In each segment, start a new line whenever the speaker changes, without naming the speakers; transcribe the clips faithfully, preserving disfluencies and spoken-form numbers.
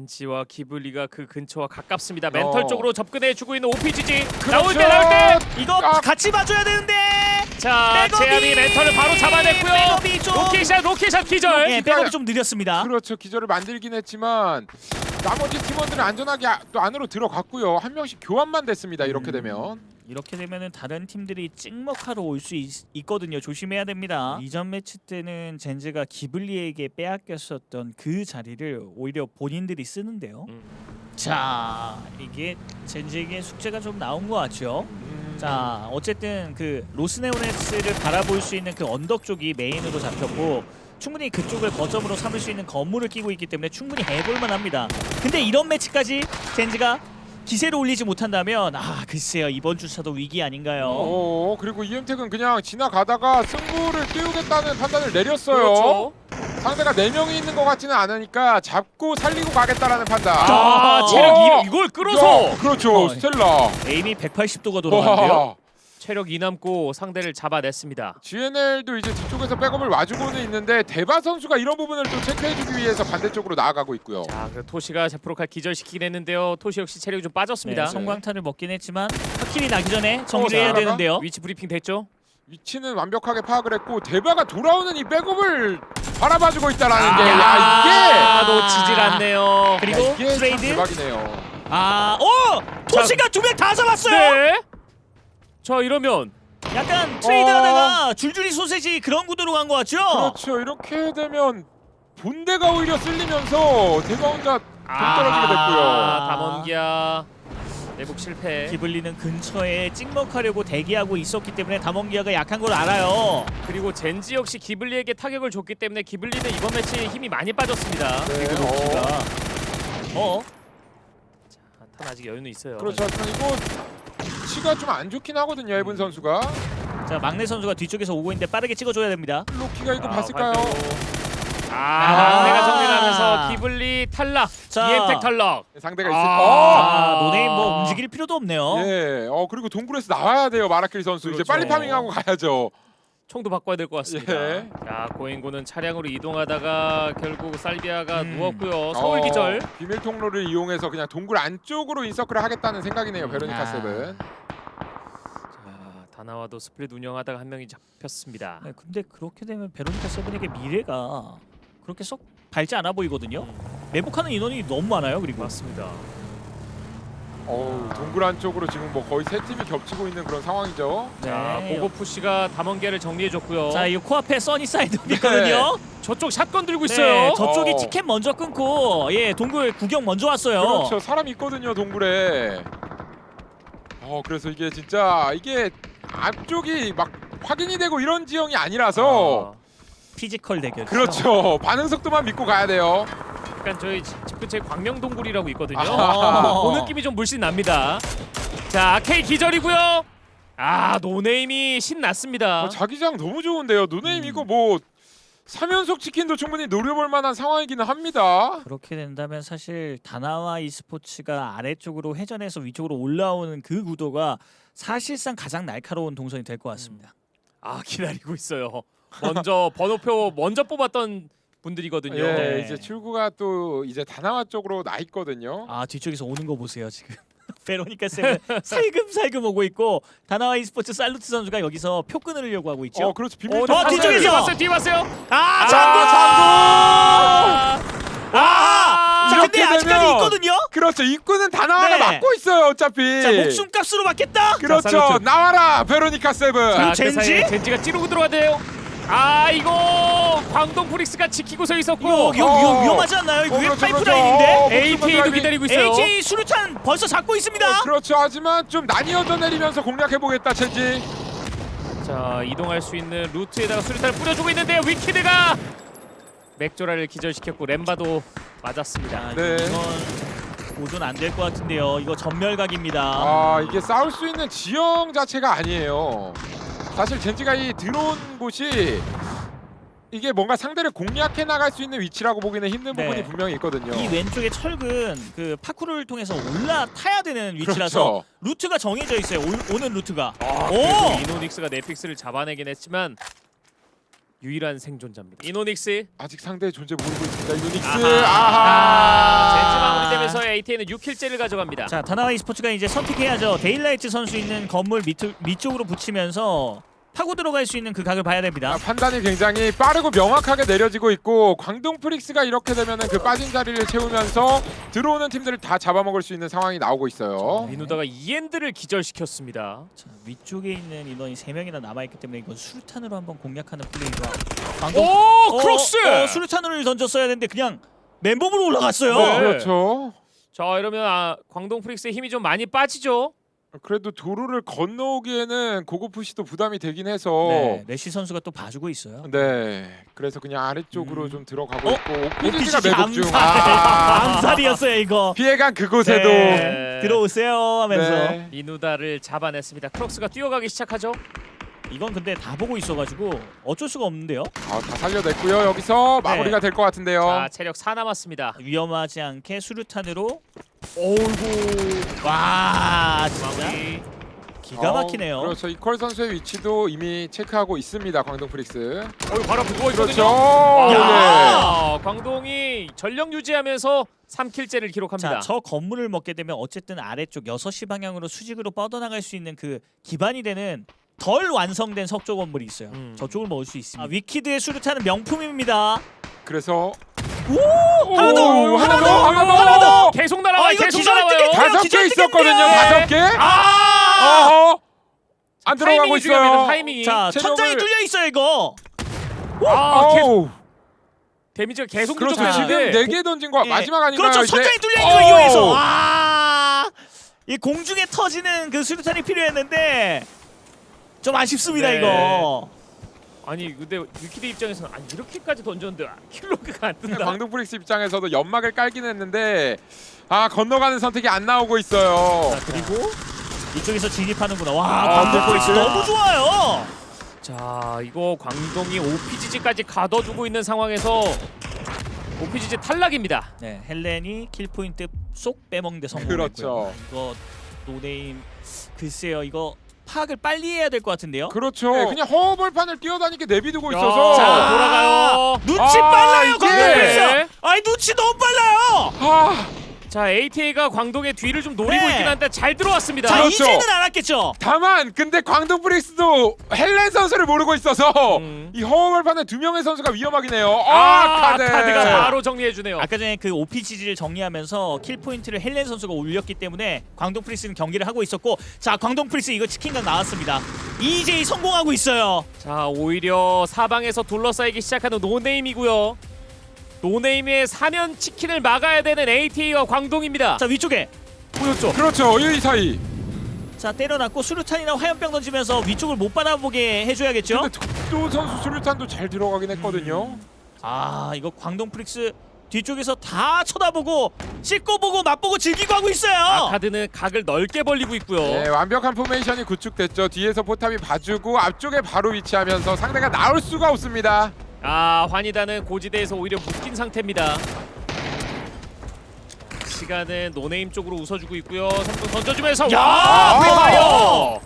젠지와 기블리가 그 근처와 가깝습니다. 멘털
어.
쪽으로 접근해주고 있는 오피지지.
그렇죠.
나올 때 나올 때.
이거
아.
같이 봐줘야 되는데.
자,
백업이-
제암이 멘털을 바로 잡아냈고요.
백업이 좀
로켓샷 로켓샷 기절.
예, 백업이 좀 느렸습니다.
그렇죠. 기절을 만들긴 했지만 나머지 팀원들은 안전하게 아, 또 안으로 들어갔고요. 한 명씩 교환만 됐습니다. 이렇게 되면.
이렇게 되면은 다른 팀들이 찍먹하러 올 수 있거든요. 조심해야 됩니다. 이전 매치 때는 젠지가 기블리에게 빼앗겼었던 그 자리를 오히려 본인들이 쓰는데요.
음.
자, 이게 젠지에게 숙제가 좀 나온 것 같죠.
음.
자, 어쨌든 그 로스네오네스를 바라볼 수 있는 그 언덕 쪽이 메인으로 잡혔고 충분히 그쪽을 거점으로 삼을 수 있는 건물을 끼고 있기 때문에 충분히 해볼만 합니다. 근데 이런 매치까지 젠지가 기세를 올리지 못한다면 아 글쎄요 이번 주차도 위기 아닌가요?
어, 그리고 이엠텍은 그냥 지나가다가 승부를 띄우겠다는 판단을 내렸어요.
그렇죠.
상대가 네 명이 있는 것 같지는 않으니까 잡고 살리고 가겠다라는 판단.
아,
아,
체력
어.
이, 이걸 끌어서
야, 그렇죠.
어.
스텔라.
에임이 백팔십 도가 돌아가는데요.
와.
체력 이 남고 상대를 잡아냈습니다.
지엔엘도 이제 뒤쪽에서 백업을 와주고는 있는데 데바 선수가 이런 부분을 또 체크해주기 위해서 반대쪽으로 나아가고 있고요.
자, 그 토시가 제프로칼 기절시키긴 했는데요. 토시 역시 체력이 좀 빠졌습니다.
네, 성광탄을 먹긴 했지만 확실히 나기 전에
어,
정리해야
자,
되는데요.
위치 브리핑 됐죠?
위치는 완벽하게 파악을 했고 데바가 돌아오는 이 백업을 바라봐주고 있다라는 게
아,
야, 이게
놓치질 않네요.
그리고
야, 이게 참
트레이드.
대박이네요.
아, 오! 토시가 두 명 다 잡았어요.
네. 자, 이러면
약간 트레이드하다가 줄줄이 소세지 그런 구도로 간 것 같죠?
그렇죠. 이렇게 되면 본대가 오히려 쓸리면서 데바 혼자 동떨어지게 됐고요.
아, 담원기아 내복 실패.
기블리는 근처에 찍먹하려고 대기하고 있었기 때문에 담원기아가 약한 걸 알아요.
그리고 젠지 역시 기블리에게 타격을 줬기 때문에 기블리는 이번 매치에 힘이 많이 빠졌습니다.
네,
그리고
어.
로키가 어?
자, 탄 아직 여유는 있어요.
그렇죠. 하지만 이거 위치가 좀 안 좋긴 하거든요. 에븐 선수가.
자, 막내 선수가 뒤쪽에서 오고 있는데 빠르게 찍어줘야 됩니다.
로키가 이거
아,
봤을까요?
발표. 아,
아.
내가 정리하면서 기블리 탈락.
자.
이엠텍 탈락.
상대가 있을
아.
아, 노네임 뭐 움직일 필요도 없네요.
예. 어 그리고 동굴에서 나와야 돼요. 마라킬 선수. 이제
그렇죠.
빨리 파밍하고 가야죠.
총도 바꿔야 될 것 같습니다.
예.
자, 고행고는 차량으로 이동하다가 결국 살비아가
음.
누웠고요. 서울
어,
기절.
비밀 통로를 이용해서 그냥 동굴 안쪽으로 인서클을 하겠다는 생각이네요. 베로니카
아.
세븐.
자, 다나와도 스플릿 운영하다가 한 명이 잡혔습니다.
네, 근데 그렇게 되면 베로니카 세븐에게 미래가 그렇게 썩 밝지 않아 보이거든요.
음,
매복하는 인원이 너무 많아요. 그리고
맞습니다.
어우, 동굴 안쪽으로 지금 뭐 거의 세 팀이 겹치고 있는 그런 상황이죠.
자,
네.
고고푸시가 담원기아를 정리해줬고요.
자, 이 코앞에 써니사이드 있거든요.
저쪽 샷건 들고
네,
있어요.
저쪽이
어.
티켓 먼저 끊고 예 동굴 구경 먼저 왔어요.
그렇죠. 사람 있거든요. 동굴에. 어 그래서 이게 진짜 이게 앞쪽이 막 확인이 되고 이런 지형이 아니라서
아,
피지컬 대결.
그렇죠. 반응 속도만 믿고 가야 돼요.
약간 저희 집 근처에 광명동굴이라고 있거든요.
아.
그 느낌이 좀 물씬 납니다. 자, K 기절이고요. 아, 노네임이 신났습니다.
어, 자기장 너무 좋은데요. 노네임
음.
이거 뭐 삼 연속 치킨도 충분히 노려볼 만한 상황이기는 합니다.
그렇게 된다면 사실 다나와 e스포츠가 아래쪽으로 회전해서 위쪽으로 올라오는 그 구도가 사실상 가장 날카로운 동선이 될 것 같습니다.
아, 기다리고 있어요. 먼저 번호표 먼저 뽑았던 분들이거든요.
예,
네.
이제 출구가 또 이제 다나와 쪽으로 나 있거든요.
아 뒤쪽에서 오는 거 보세요 지금. 베로니카 세븐 살금살금 오고 있고 다나와 e스포츠 살루트 선수가 여기서 표 끊으려고 하고 있죠.
어, 그렇죠. 비밀
어,
통로.
어, 뒤쪽에서!
뒤에 왔어요. 뒤에 왔어요.
아
아,
장구 장구. 아, 자 근데
이렇게
아직까지
되면-
있거든요.
그렇죠. 입구는 다나와가
네.
막고 있어요. 어차피.
자 목숨값으로 받겠다.
그렇죠.
자, 살루트.
나와라 베로니카 세븐.
자, 그
젠지?
사이에 젠지가 찌르고 들어가대요. 아, 이거 광동 프릭스가 지키고 서 있었고
이거 이거
어.
위험, 위험하지 않나요? 이거
어,
왜
그렇죠,
파이프라인인데?
그렇죠. 어,
에이티에이도
목숨을
기다리고 있어요.
에이치 수류탄 벌써 잡고 있습니다.
어, 그렇죠. 하지만 좀 나뉘어져 내리면서 공략해 보겠다 첸지.
자, 이동할 수 있는 루트에다가 수류탄을 뿌려주고 있는데요. 위키드가 맥조라를 기절시켰고 렘바도 맞았습니다.
네.
이건 도전 안 될 것 같은데요. 이거 전멸각입니다.
아 이게 싸울 수 있는 지형 자체가 아니에요. 사실 젠지가 이 들어온 곳이 이게 뭔가 상대를 공략해 나갈 수 있는 위치라고 보기는 힘든
네.
부분이 분명히 있거든요.
이 왼쪽의 철근 그 파쿠르를 통해서 올라타야 되는 위치라서
그렇죠.
루트가 정해져 있어요. 오, 오는 루트가.
아,
오!
그래도 이노닉스가 넷픽스를 잡아내긴 했지만 유일한 생존자입니다. 이노닉스
아직 상대의 존재 모르고 있습니다. 유닉스.
아하. 젠지
아하.
마무리되면서 에이티에이는 육 킬째를 가져갑니다.
자, 다나와 e스포츠가 이제 선택해야죠. 데일라이트 선수 있는 건물 밑, 밑쪽으로 붙이면서 파고 들어갈 수 있는 그 각을 봐야 됩니다.
아, 판단이 굉장히 빠르고 명확하게 내려지고 있고 광동 프릭스가 이렇게 되면은 그 빠진 자리를 채우면서 들어오는 팀들을 다 잡아먹을 수 있는 상황이 나오고 있어요.
민우다가 이엔드를 기절시켰습니다.
자, 위쪽에 있는 인원이 세 명이나 남아있기 때문에 이건 수류탄으로 한번 공략하는 플레이가 방금
오 크로스!
어, 어, 수류탄을 던졌어야 되는데 그냥 맨몸으로 올라갔어요.
네.
그렇죠.
자 이러면 아, 광동 프릭스의 힘이 좀 많이 빠지죠.
그래도 도로를 건너오기에는 고급 푸시도 부담이 되긴 해서
네, 레시 선수가 또 봐주고 있어요.
네, 그래서 그냥 아래쪽으로
음.
좀 들어가고
어?
있고
오피지가
오피지가 매복 중.
암살.
아,
암살이었어요 이거.
피해간 그곳에도
네.
들어오세요 하면서
네.
민우다를 잡아냈습니다. 크록스가 뛰어가기 시작하죠.
이건 근데 다 보고 있어가지고 어쩔 수가 없는데요.
아, 다 살려냈고요. 여기서
네.
마무리가 될 것 같은데요.
자 체력 사 남았습니다.
위험하지 않게 수류탄으로
어이구
와 진짜
마무리.
기가 막히네요.
어, 그렇죠. 이퀄 선수의 위치도 이미 체크하고 있습니다. 광동 프릭스.
어이 바로 앞에 누워
그렇죠.
있거든요.
오, 예.
야, 광동이 전력 유지하면서 삼 킬째를 기록합니다.
자, 저 건물을 먹게 되면 어쨌든 아래쪽 여섯 시 방향으로 수직으로 뻗어나갈 수 있는 그 기반이 되는 덜 완성된 석조 건물이 있어요.
음.
저쪽을 먹을 수 있습니다. 아, 위키드의 수류탄은 명품입니다.
그래서
오! 하나 더!
오,
하나
하나
더!
더!
하나 더!
하나 더!
계속 날아와요.
아, 이거
계속
기절
날아와요.
뜨겠다.
다섯
기절
개
뜨겠네.
있었거든요. 다섯 개.
아!
어허. 안 들어가고
타이밍이 중요합니다.
있어요.
타이밍이.
자,
체력을-
천장이 뚫려 있어요, 이거.
아, 계속
어우.
데미지가 계속
그렇죠.
부족한데
지금 네 개 던진 거
예.
마지막 아닌가요?
그렇죠.
이제?
천장이 뚫려 있는 거
어우.
이용해서. 아! 이 공중에 터지는 그 수류탄이 필요했는데 좀 아쉽습니다,
네.
이거.
아니 근데 위키드 입장에서는 아니 이렇게까지 던졌는데 아, 킬로그가 안 뜬다.
광동 프릭스 입장에서도 연막을 깔긴 했는데 아 건너가는 선택이 안 나오고 있어요.
자, 그리고 이쪽에서 진입하는구나. 와,
아,
광동 프릭스
네.
너무 좋아요.
자 이거 광동이 오피지지까지 가둬두고 있는 상황에서 오피지지 탈락입니다.
네, 헬렌이 킬 포인트 쏙 빼먹는데 성공했고요.
그렇죠.
이거 노네임 글쎄요, 이거 파악을 빨리 해야 될 것 같은데요.
그렇죠. 네, 그냥 허벌판을 뛰어다니게 내비두고
야,
있어서
자, 돌아가요.
눈치
아,
빨라요,
이게-
광동 프릭스. 아니 눈치 너무 빨라요.
아,
자 에이티에이가 광동의 뒤를 좀 노리고
네.
있긴 한데 잘 들어왔습니다.
자,
그렇죠.
이제는 알았겠죠.
다만 근데 광동 프릭스도 헬렌 선수를 모르고 있어서
음.
이 허벌판에 두 명의 선수가 위험하긴 해요. 아,
아,
카드.
카드가
자.
바로 정리해주네요.
아까 전에 그 오피지지를 정리하면서 킬 포인트를 헬렌 선수가 올렸기 때문에 광동 프리스는 경기를 하고 있었고, 자 광동 프리스 이거 치킨각 나왔습니다. 이제이 성공하고 있어요.
자 오히려 사방에서 둘러싸이기 시작하는 노네임이고요. 노네임의 사면 치킨을 막아야 되는 에이티에이와 광동입니다.
자 위쪽에
보였죠?
그렇죠. 이 사이.
자 때려놨고 수류탄이나 화염병 던지면서 위쪽을 못 바라보게 해줘야겠죠.
근데 독도 선수 수류탄도 잘 들어가긴 했거든요.
아 이거 광동 프릭스 뒤쪽에서 다 쳐다보고 씻고 보고 맛보고 즐기고 하고 있어요.
아카드는 각을 넓게 벌리고 있고요.
네, 완벽한 포메이션이 구축됐죠. 뒤에서 포탑이 봐주고 앞쪽에 바로 위치하면서 상대가 나올 수가 없습니다.
아 환희다는 고지대에서 오히려 묶인 상태입니다. 시간은 노네임 쪽으로 웃어주고 있고요. 삼성 던져주면서
야!
와! 프리파이어!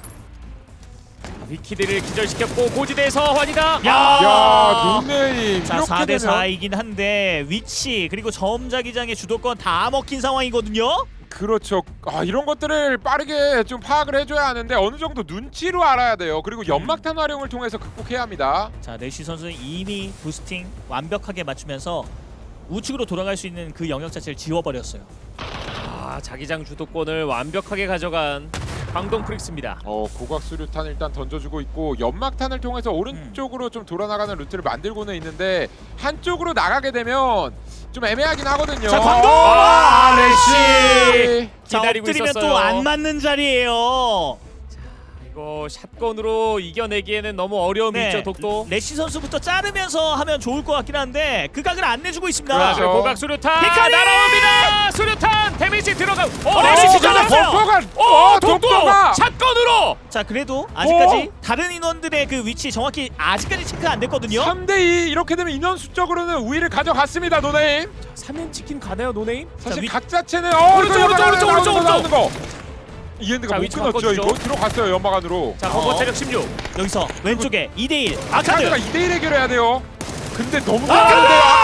위키드를 기절시켰고 고지대에서 환희다.
야!
야, 노네임.
자
이렇게
사 대
되면
사이긴 한데 위치 그리고 점자기장의 주도권 다 먹힌 상황이거든요.
그렇죠. 아, 이런 것들을 빠르게 좀 파악을 해줘야 하는데 어느 정도 눈치로 알아야 돼요. 그리고 연막탄 활용을 통해서 극복해야 합니다.
자 내시 선수는 이미 부스팅 완벽하게 맞추면서 우측으로 돌아갈 수 있는 그 영역 자체를 지워버렸어요.
아 자기장 주도권을 완벽하게 가져간 광동 프릭스입니다.
어, 고각 수류탄 일단 던져주고 있고 연막탄을 통해서 오른쪽으로 좀 돌아나가는 루트를 만들고는 있는데 한쪽으로 나가게 되면 좀 애매하긴 하거든요.
자, 광동!
아,
레시!
레시!
자
기다리고
엎드리면
있었어요.
또 안 맞는 자리예요.
이거 샷건으로 이겨내기에는 너무 어려움이
네.
있죠. 독도.
레시 선수부터 자르면서 하면 좋을 것 같긴 한데 그 각을 안 내주고 있습니다.
자,
그렇죠.
고각 수류탄
히카리!
날아옵니다. 수류탄 데미지 들어가. 어,
어,
레시
레시
기절.
잘랐어요.
독도가!
어,
어,
독도
독도가!
샷건으로.
자 그래도 아직까지 다른 인원들의 그 위치 정확히 아직까지 체크 안 됐거든요.
삼 대 이 이렇게 되면 인원 수적으로는 우위를 가져갔습니다. 노네임.
삼 연 치킨 가나요, 노네임?
사실
위-
각 자체는 어,
오른쪽,
이거
오른쪽,
나오는
오른쪽,
거,
오른쪽,
나오는 거. 이엔드가
자,
못
위치
끊었죠.
바꿔주죠.
이거 들어갔어요 연막 안으로.
자 버버
어.
체력 십육.
여기서 왼쪽에 이 대 일
아카드가
아카드.
이 대 일 해결해야 돼요. 근데 너무
아카드!
많은데요.